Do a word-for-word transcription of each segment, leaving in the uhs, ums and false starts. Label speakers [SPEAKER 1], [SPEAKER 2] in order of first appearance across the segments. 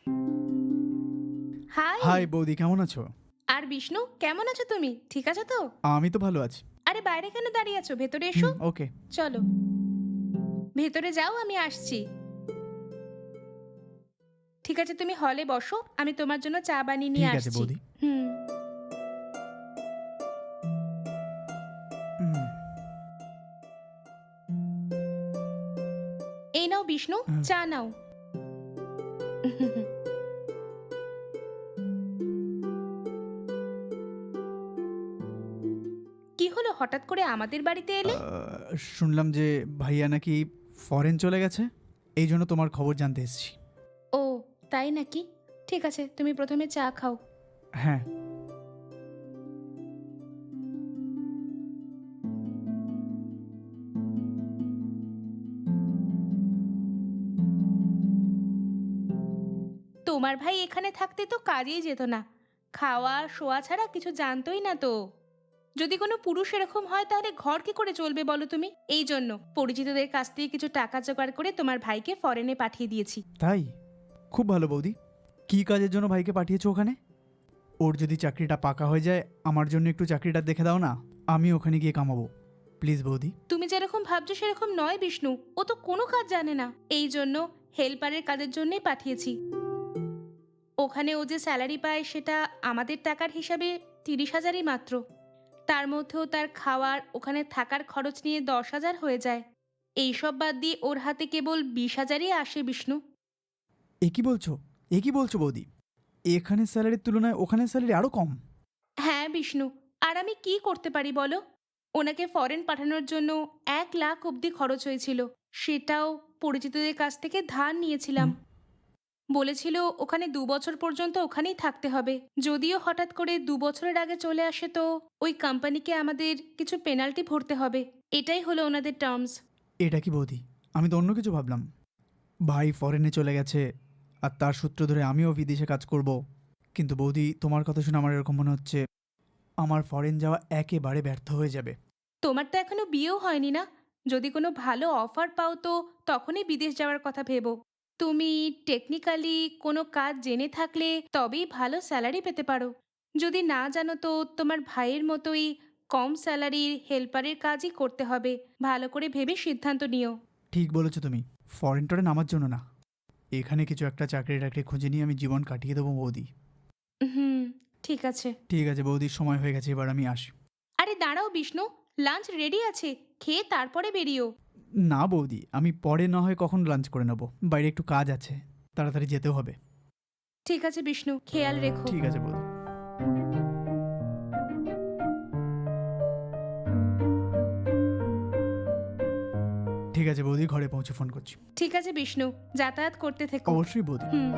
[SPEAKER 1] High.
[SPEAKER 2] High বৌদি, কেমন আছো?
[SPEAKER 1] আর বিষ্ণু, কেমন আছো তুমি? ঠিক আছো তো?
[SPEAKER 2] আমি তো ভালো আছি।
[SPEAKER 1] আরে বাইরে কেন দাঁড়িয়ে আছো? ভেতরে এসো।
[SPEAKER 2] হুম, ওকে।
[SPEAKER 1] চলো ভেতরে যাও, আমি আসছি। ঠিক আছে, তুমি হলে বসো, আমি তোমার জন্য চা বানিয়ে নিয়ে
[SPEAKER 2] ঠিক আছে
[SPEAKER 1] আসছি।
[SPEAKER 2] বৌদি।
[SPEAKER 1] হুম।
[SPEAKER 2] হুম,
[SPEAKER 1] এই নাও বিষ্ণু,
[SPEAKER 2] আহ,
[SPEAKER 1] চা নাও। কি হলো, হঠাৎ করে আমাদের বাড়িতে এলে?
[SPEAKER 2] আহ, শুনলাম যে ভাইয়া নাকি ফরেন চলে গেছে, এই জন্য তোমার খবর জানতে এসেছি।
[SPEAKER 1] ও, তাই নাকি? ঠিক আছে, তুমি প্রথমে চা খাও।
[SPEAKER 2] হ্যাঁ।
[SPEAKER 1] তোমার ভাই এখানে থাকতে তো কাজেই যেত না, খাওয়া শোয়া ছাড়া কিছু জানতোই না তো। যদি কোনো পুরুষ এরকম হয় তাহলে ঘর কি করে চলবে বলো তুমি? এই জন্য পরিচিতদের কাছ থেকে কিছু টাকা জোগাড় করে তোমার ভাইকে ফরেনে পাঠিয়ে দিয়েছি।
[SPEAKER 2] তাই? খুব ভালো বৌদি। কী কাজের জন্য ভাইকে পাঠিয়েছো ওখানে? ওর যদি চাকরিটা পাকা হয়ে যায়, আমার জন্য একটু চাকরিটা দেখে দাও না, আমি ওখানে গিয়ে কামাবো। প্লিজ বৌদি।
[SPEAKER 1] তুমি যেরকম ভাবছো সেরকম নয় বিষ্ণু, ও তো কোনো কাজ জানে না, এই জন্য হেল্পারের কাজের জন্যই পাঠিয়েছি। ওখানে ও যে স্যালারি পায় সেটা আমাদের টাকার হিসাবে তিরিশ হাজারই মাত্র। তার মধ্যেও তার খাওয়ার ওখানে থাকার খরচ নিয়ে দশ হাজার হয়ে যায়। এইসব বাদ দিয়ে ওর হাতে কেবল বিশ হাজারই আসে বিষ্ণু।
[SPEAKER 2] এ কি বলছো? এ কি বলছো বৌদি? এখানে স্যালারির তুলনায় ওখানে স্যালারি আরও কম?
[SPEAKER 1] হ্যাঁ বিষ্ণু, আর আমি কি করতে পারি বলো? ওনাকে ফরেন পাঠানোর জন্য এক লাখ অবধি খরচ হয়েছিল, সেটাও পরিচিতদের কাছ থেকে ধার নিয়েছিলাম।
[SPEAKER 2] হুম,
[SPEAKER 1] বলেছিল ওখানে দু বছর পর্যন্ত ওখানেই থাকতে হবে। যদিও হঠাৎ করে দু বছরের আগে চলে আসে তো ওই কোম্পানিকে আমাদের কিছু পেনাল্টি ভরতে হবে। এটাই হলো ওনাদের টার্মস।
[SPEAKER 2] এটা কি বৌদি? আমি তো অন্য কিছু ভাবলাম। ভাই ফরেনে চলে গেছে আর তার সূত্র ধরে আমিও বিদেশে কাজ করব। কিন্তু বৌদি, তোমার কথা শুনে আমার এরকম মনে হচ্ছে আমার ফরেন যাওয়া একেবারে ব্যর্থ হয়ে যাবে।
[SPEAKER 1] তোমার তো এখনো বিয়েও হয়নি না? যদি কোনো ভালো অফার পাও তো তখনই বিদেশ যাওয়ার কথা ভেবো। তুমি টেকনিক্যালি কোনো কাজ জেনে থাকলে তবেই ভালো স্যালারি পেতে পারো। যদি না জানো তো তোমার ভাইয়ের মতোই কম স্যালারির হেল্পারের কাজই করতে হবে। ভালো করে ভেবে সিদ্ধান্ত নিও।
[SPEAKER 2] ঠিক বলেছো তুমি। ফরেন টরেন আমার জন্য না। এখানে কিছু একটা চাকরি টাকরি খুঁজে নিয়ে আমি জীবন কাটিয়ে দেবো বৌদি।
[SPEAKER 1] হুম, ঠিক আছে।
[SPEAKER 2] ঠিক আছে বৌদি, সময় হয়ে গেছে, এবার আমি আসি।
[SPEAKER 1] আরে দাঁড়াও বিষ্ণু, লাঞ্চ রেডি আছে, খেয়ে তারপরে বেরিও।
[SPEAKER 2] না বৌদি, আমি পরে না হয় কখন লাঞ্চ করে নেবো, বাইরে একটু কাজ আছে, তাড়াতাড়ি যেতেও হবে।
[SPEAKER 1] ঠিক আছে বিষ্ণু, খেয়াল রেখো।
[SPEAKER 2] ঠিক আছে বৌদি। ঠিক আছে বৌদি, ঘরে পৌঁছে ফোন করছি।
[SPEAKER 1] ঠিক আছে বিষ্ণু, যাতায়াত করতে থেকো।
[SPEAKER 2] অবশ্যই বৌদি।
[SPEAKER 1] হুম।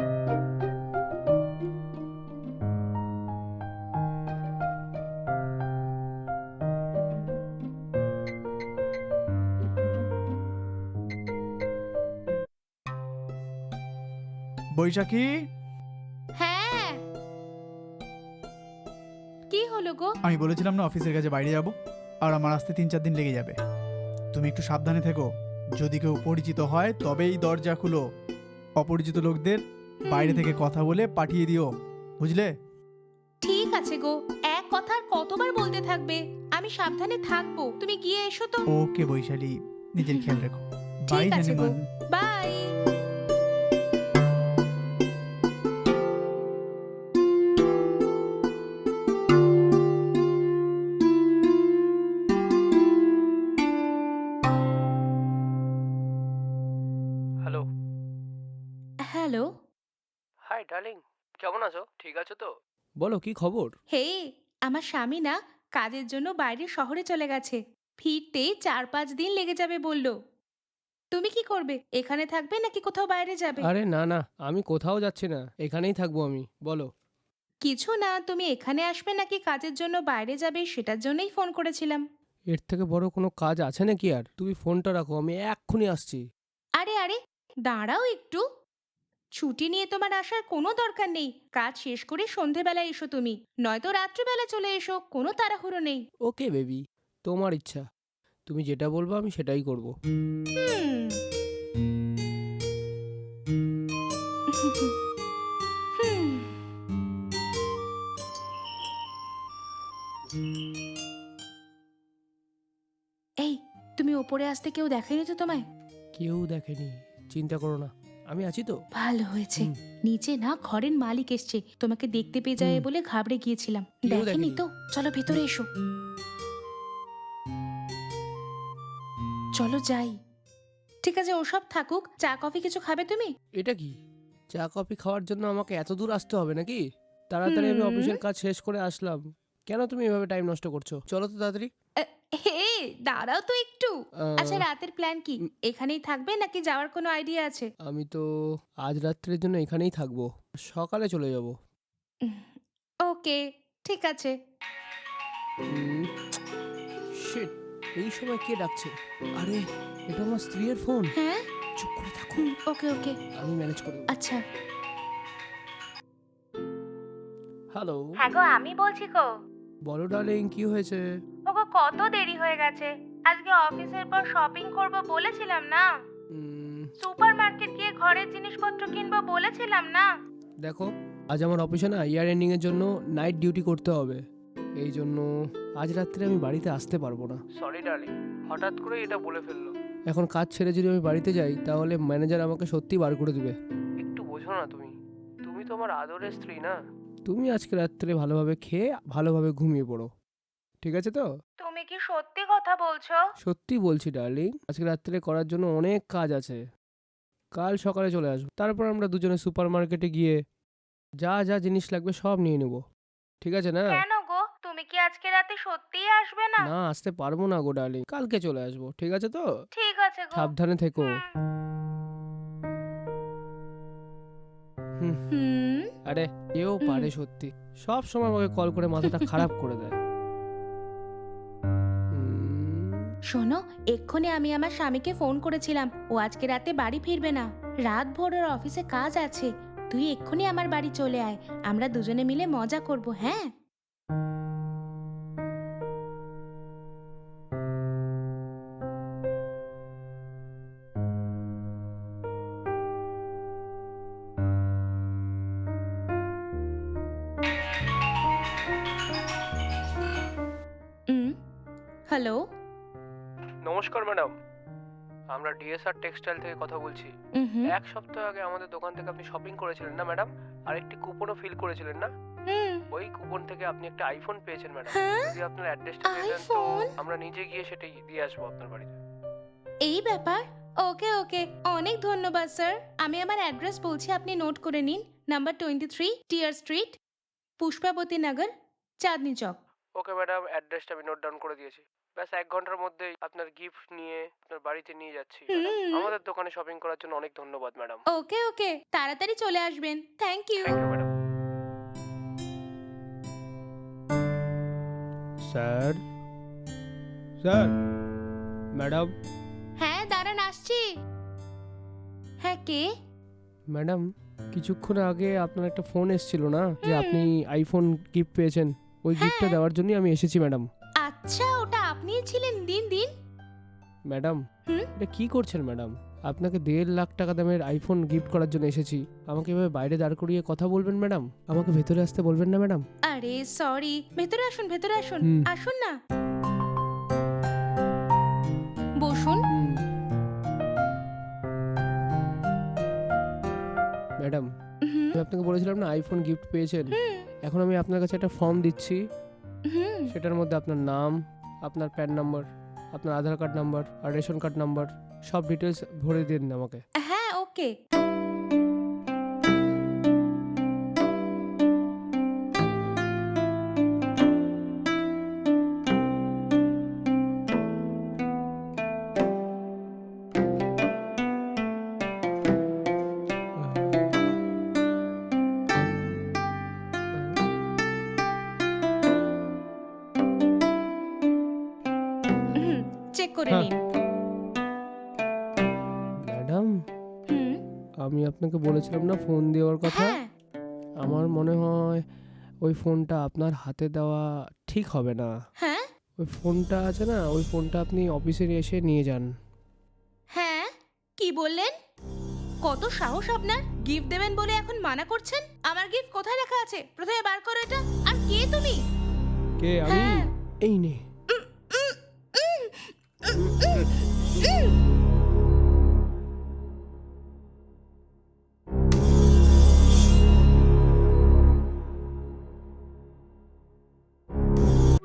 [SPEAKER 2] বৈশাখী,
[SPEAKER 1] হ্যাঁ, কি হলো গো?
[SPEAKER 2] আমি বলেছিলাম না অফিসের কাছে বাইরে যাব, আর আমার আসতে তিন চার দিন লেগে যাবে। তুমি একটু সাবধানে থেকো। যদি কেউ পরিচিত হয় তবেই দরজা খুলো। অপরিচিত লোকদের বাইরে
[SPEAKER 1] হুম,
[SPEAKER 2] থেকে কথা বলে পাঠিয়ে দিও, বুঝলে?
[SPEAKER 1] ঠিক আছে গো, এক কথা আর কতবার বলতে থাকবে? আমি সাবধানে থাকবো, তুমি গিয়ে এসো তো।
[SPEAKER 2] ওকে বৈশালী, নিজের খেয়াল রেখো। বাই
[SPEAKER 1] ঠিক আছে গো,
[SPEAKER 2] জানিমান।
[SPEAKER 1] Bye.
[SPEAKER 3] Hello.
[SPEAKER 1] Hello.
[SPEAKER 3] Hi darling, কেমন আছো? ঠিক আছো তো? বলো, কি খবর?
[SPEAKER 1] হে, আমার স্বামী না কাজের জন্য বাইরে শহরে চলে গেছে। ফিরতে চার পাঁচ দিন লেগে যাবে বলল। তুমি কি করবে? এখানে থাকবে নাকি কোথাও বাইরে যাবে?
[SPEAKER 3] আরে না না, আমি কোথাও যাচ্ছি না, এখানেই থাকবো আমি। বলো।
[SPEAKER 1] কিছু না, তুমি এখানে আসবে নাকি কাজের জন্য বাইরে যাবে সেটার জন্যই ফোন করেছিলাম।
[SPEAKER 3] এর থেকে বড় কোনো কাজ আছে নাকি আর? তুমি ফোনটা রাখো, আমি এক্ষুনি আসছি।
[SPEAKER 1] আরে আরে, দাঁড়াও একটু। ছুটি নিয়ে তোমার আসার কোনো দরকার নেই। কাজ শেষ করে সন্ধেবেলায় এসো তুমি, নয়তো রাত্রিবেলা চলে এসো, কোনো তাড়াহুড়ো নেই।
[SPEAKER 3] ওকে বেবি, তোমার ইচ্ছা। তুমি যেটা বলবো আমি সেটাই করব।
[SPEAKER 1] হুম। ওপরে আসতে কেউ দেখেনি তো তোমায়?
[SPEAKER 3] কেউ দেখেনি, চিন্তা করো না, আমি আছি তো।
[SPEAKER 1] ভালো হয়েছে।
[SPEAKER 3] হুম।
[SPEAKER 1] নিচে না ঘরের মালিক এসছে, তোমাকে দেখতে পেয়ে যায়
[SPEAKER 3] হুম।
[SPEAKER 1] বলে ঘাবড়ে গিয়েছিলাম।
[SPEAKER 3] কেউ
[SPEAKER 1] দেখেনি
[SPEAKER 3] দেখেনি।
[SPEAKER 1] তো? চলো ভেতরে এসো। চলো যাই। ঠিক আছে, ওসব থাকুক, চা কফি কিছু খাবে তুমি?
[SPEAKER 3] এটা কি, চা কফি খাওয়ার জন্য আমাকে এত দূর আসতে হবে নাকি? তাড়াতাড়ি আমি
[SPEAKER 1] হুম।
[SPEAKER 3] অফিসের কাজ শেষ করে আসলাম, কেন তুমি এভাবে টাইম নষ্ট করছো? চলো তো তাড়াতাড়ি।
[SPEAKER 1] আহ, হে দাঁড়াও তো একটু।
[SPEAKER 3] আহ,
[SPEAKER 1] আচ্ছা, রাতের প্ল্যান কি?
[SPEAKER 3] উম।
[SPEAKER 1] এখানেই থাকবে নাকি যাওয়ার কোনো আইডিয়া আছে?
[SPEAKER 3] আমি তো আজ রাত্রের জন্য এখানেই থাকবো, সকালে চলে যাব।
[SPEAKER 1] ওকে, ঠিক আছে।
[SPEAKER 3] শিট, এই সময় কে ডাকছে? আরে, এটা আমার স্ত্রীর ফোন।
[SPEAKER 1] হ্যাঁ,
[SPEAKER 3] চুপ করে থাকো,
[SPEAKER 1] ওকে ওকে,
[SPEAKER 3] আমি ম্যানেজ করে দেবো।
[SPEAKER 1] আচ্ছা।
[SPEAKER 3] হ্যালো,
[SPEAKER 1] হ্যাঁ গো, আমি বলছি গো।
[SPEAKER 3] বলো ডার্লিং, কি হয়েছে?
[SPEAKER 1] ওগো, কত দেরি হয়ে গেছে। আজকে অফিসের পর শপিং করব বলেছিলাম না?
[SPEAKER 3] উম,
[SPEAKER 1] সুপার মার্কেট গিয়ে ঘরের জিনিসপত্র কিনবো বলেছিলাম না?
[SPEAKER 3] দেখো, আজ আমার অফিসে না ইয়ার এন্ডিং এর জন্য নাইট ডিউটি করতে হবে, এই জন্য আজ রাত্রে আমি বাড়িতে আসতে পারবো না। সরি ডার্লিং, হঠাৎ করে এটা বলে ফেললো। এখন কাজ ছেড়ে যদি আমি বাড়িতে যাই তাহলে ম্যানেজার আমাকে সত্যি বার করে দিবে। একটু বোঝো না তুমি, তুমি তো আমার আদরের স্ত্রী না? তুমি আজকে রাত্রে ভালোভাবে খেয়ে ভালোভাবে ঘুমিয়ে পড়ো, ঠিক আছে তো?
[SPEAKER 1] তুমি কি সত্যি কথা বলছো?
[SPEAKER 3] সত্যি বলছি ডার্লিং, আজকে রাত্রে করার জন্য অনেক কাজ আছে, কাল সকালে চলে আসবো, তারপর আমরা দুজনে সুপার মার্কেটে গিয়ে যা যা জিনিস লাগবে সব নিয়ে নেবো, ঠিক আছে না?
[SPEAKER 1] কেন গো, তুমি কি আজকে রাতে সত্যিই আসবে না?
[SPEAKER 3] না, আসতে পারবো না গো ডার্লিং, কালকে চলে আসবো, ঠিক আছে তো?
[SPEAKER 1] ঠিক আছে গো।
[SPEAKER 3] সাবধানে থেকো।
[SPEAKER 1] হুম।
[SPEAKER 3] হুম,
[SPEAKER 1] হুম।
[SPEAKER 3] আরে কেউ
[SPEAKER 1] হুম।
[SPEAKER 3] পারে সত্যি, সব সময় আমাকে কল করে মাথাটা খারাপ করে দেয়। হুম,
[SPEAKER 1] শোনো, এক্ষুনি আমি আমার স্বামীকে ফোন করেছিলাম, ও আজকে রাতে বাড়ি ফিরবে না। রাত ভোর ওর অফিসে কাজ আছে। তুই এক্ষুনি আমার বাড়ি চলে আয়, আমরা দুজনে মিলে মজা করব, হ্যাঁ? হুম। হ্যালো।
[SPEAKER 3] নমস্কার ম্যাডাম, আমরা ডিএসআর টেক্সটাইল থেকে কথা বলছি।
[SPEAKER 1] হুম।
[SPEAKER 3] এক সপ্তাহ আগে আমাদের দোকান থেকে আপনি শপিং করেছিলেন না ম্যাডাম? আর একটি কুপনও ফিল করেছিলেন না?
[SPEAKER 1] হুম।
[SPEAKER 3] ওই কুপন থেকে আপনি একটা আইফোন পেয়েছেন ম্যাডাম।
[SPEAKER 1] হ্যাঁ?
[SPEAKER 3] যদি আপনার অ্যাড্রেসটা দিয়ে দেন তো
[SPEAKER 1] আইফোন?
[SPEAKER 3] আমরা নিজে গিয়ে সেটাই দিয়ে আসবো আপনার বাড়িতে।
[SPEAKER 1] এই ব্যাপার? ওকে ওকে, অনেক ধন্যবাদ স্যার। আমি আমার অ্যাড্রেস বলছি, আপনি নোট করে নিন। নাম্বার টোয়েন্টি থ্রি টিয়ার street, Pushpabati Nagar, Chandni Chowk.
[SPEAKER 3] Okay madam, অ্যাড্রেসটা আমি নোট ডাউন করে দিয়েছি। ব্যাস এক ঘন্টার মধ্যেই আপনার গিফট নিয়ে আপনার বাড়িতে নিয়ে যাচ্ছি ম্যাডাম।
[SPEAKER 1] হুম।
[SPEAKER 3] আমাদের দোকানে শপিং করার জন্য অনেক ধন্যবাদ ম্যাডাম।
[SPEAKER 1] ওকে ওকে, তাড়াতাড়ি চলে আসবেন। Thank you.
[SPEAKER 3] Thank you madam. Sir, sir, madam,
[SPEAKER 1] হ্যাঁ, দাঁড়ান, আসছি। হ্যাঁ, কে?
[SPEAKER 3] ম্যাডাম, কিছুক্ষণ আগে আপনার একটা ফোন এসেছিল না যে
[SPEAKER 1] হুম।
[SPEAKER 3] আপনি আইফোন গিফট পেয়েছেন, ওই গিফটটা
[SPEAKER 1] হ্যাঁ।
[SPEAKER 3] দেওয়ার জন্যই আমি এসেছি ম্যাডাম।
[SPEAKER 1] আচ্ছা, ওটা আপনিই ছিলেন। দিন দিন।
[SPEAKER 3] ম্যাডাম,
[SPEAKER 1] হুম?
[SPEAKER 3] এটা কি করছেন ম্যাডাম? আপনাকে দেড় লাখ টাকা দামের আইফোন গিফট করার জন্য এসেছি, আমাকে এভাবে বাইরে দাঁড় করিয়ে কথা বলবেন ম্যাডাম? আমাকে ভেতরে আসতে বলবেন না ম্যাডাম?
[SPEAKER 1] আরে সরি, ভেতরে আসুন, ভেতরে আসুন।
[SPEAKER 3] হুম।
[SPEAKER 1] আসুন না, বসুন।
[SPEAKER 3] হুম। ম্যাডাম,
[SPEAKER 1] হুম।
[SPEAKER 3] আমি আপনাকে বলেছিলাম না আইফোন গিফট পেয়েছেন,
[SPEAKER 1] হুম।
[SPEAKER 3] এখন আমি আপনার কাছে একটা ফর্ম দিচ্ছি,
[SPEAKER 1] হুম।
[SPEAKER 3] সেটার মধ্যে আপনার নাম, আপনার প্যান নাম্বার, আপনার আধার কার্ড নাম্বার আর রেশন কার্ড নাম্বার সব ডিটেলস ভরে দিন আমাকে।
[SPEAKER 1] হ্যাঁ, ওকে। হুম, চেক করে
[SPEAKER 3] হ্যাঁ।
[SPEAKER 1] নিন।
[SPEAKER 3] ম্যাডাম,
[SPEAKER 1] হুম।
[SPEAKER 3] আমি আপনাকে বলেছিলাম না ফোন দেওয়ার কথা,
[SPEAKER 1] হ্যাঁ।
[SPEAKER 3] আমার মনে হয় ওই ফোনটা আপনার হাতে দেওয়া ঠিক হবে না।
[SPEAKER 1] হ্যাঁ।
[SPEAKER 3] ওই ফোনটা আছে না, ওই ফোনটা আপনি অফিসে এসে নিয়ে যান।
[SPEAKER 1] হ্যাঁ, কি বললেন? কত সাহস আপনার! গিফট দেবেন বলে এখন মানা করছেন? আমার গিফট কোথায় রাখা আছে? প্রথমে বার করো এটা। আর কে তুমি?
[SPEAKER 3] কে? আমি?
[SPEAKER 1] হ্যাঁ।
[SPEAKER 3] এই নে।
[SPEAKER 1] উম, উম, উম, উম, উম।